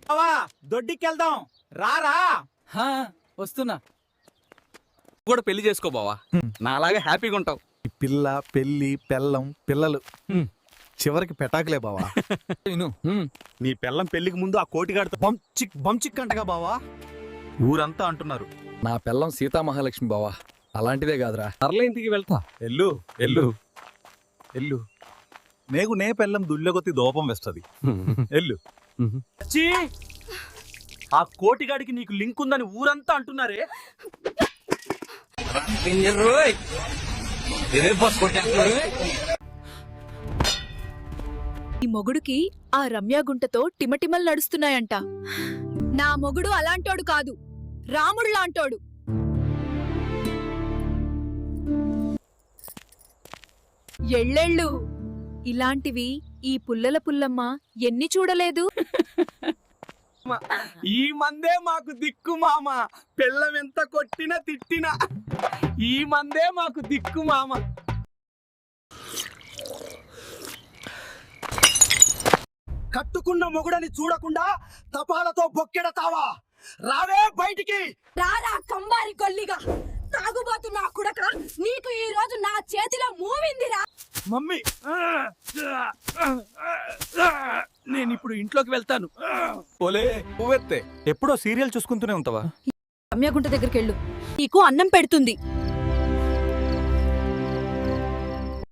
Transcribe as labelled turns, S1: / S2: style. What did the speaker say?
S1: దొడ్డికెళ్దాం రారా.
S2: వస్తున్నా. కూడా పెళ్లి చేసుకో బావా, నాలాగా హ్యాపీగా ఉంటావు.
S3: పిల్ల పెళ్లి పెళ్ళం పిల్లలు చివరికి పెటాకులే బావా.
S1: నీ పెళ్ళం పెళ్లికి ముందు ఆ కోటిగాడితో
S3: బంచిక్ అంటగా బావా.
S1: ఊరంతా అంటున్నారు.
S4: నా పిల్లం సీతామహాలక్ష్మి బావా, అలాంటిదే కాదురా.
S2: సర్లే ఇంటికి వెళ్తా.
S1: ఎల్లు ఎల్లు ఎల్లు నేగు నే పెళ్ళం దుల్లగొత్తి దోపం వేస్తది. ఎల్లు. ఆ కోటిగాడికి నీకు లింక్ ఉందని ఊరంతా అంటున్నారే.
S5: ఈ మొగుడుకి ఆ రమ్యాగుంటతో టిమటిమలు నడుస్తున్నాయంట. నా మొగుడు అలాంటోడు కాదు, రాముడు లాంటోడు. ఎళ్ళెళ్ళు ఇలాంటివి ఈ పుల్లల పుల్లమ్మ ఎన్ని చూడలేదు.
S2: ఈ మందే మాకు దిక్కు మామ, పిల్లం ఎంత కొట్టినా తిట్టినా ఈ మందే మాకు దిక్కు మామ.
S3: కట్టుకున్న మొగుడని చూడకుండా తపాలతో బొక్కెడతావా? రావే బయటికి.
S5: రారా కంబారి కొల్లిగా, తాగుబోతు నా కుడక, నీకు ఈ రోజు నా చేతిలో మూవిందిరా.
S2: మమ్మీ, నేను ఇప్పుడు ఇంట్లోకి వెళ్తాను.
S1: పోలే పువ్వెత్తే. ఎప్పుడో సీరియల్ చూసుకుంటూనే ఉంటావా?
S5: రమ్యాగుంట దగ్గరికి వెళ్ళు, నీకు అన్నం పెడుతుంది.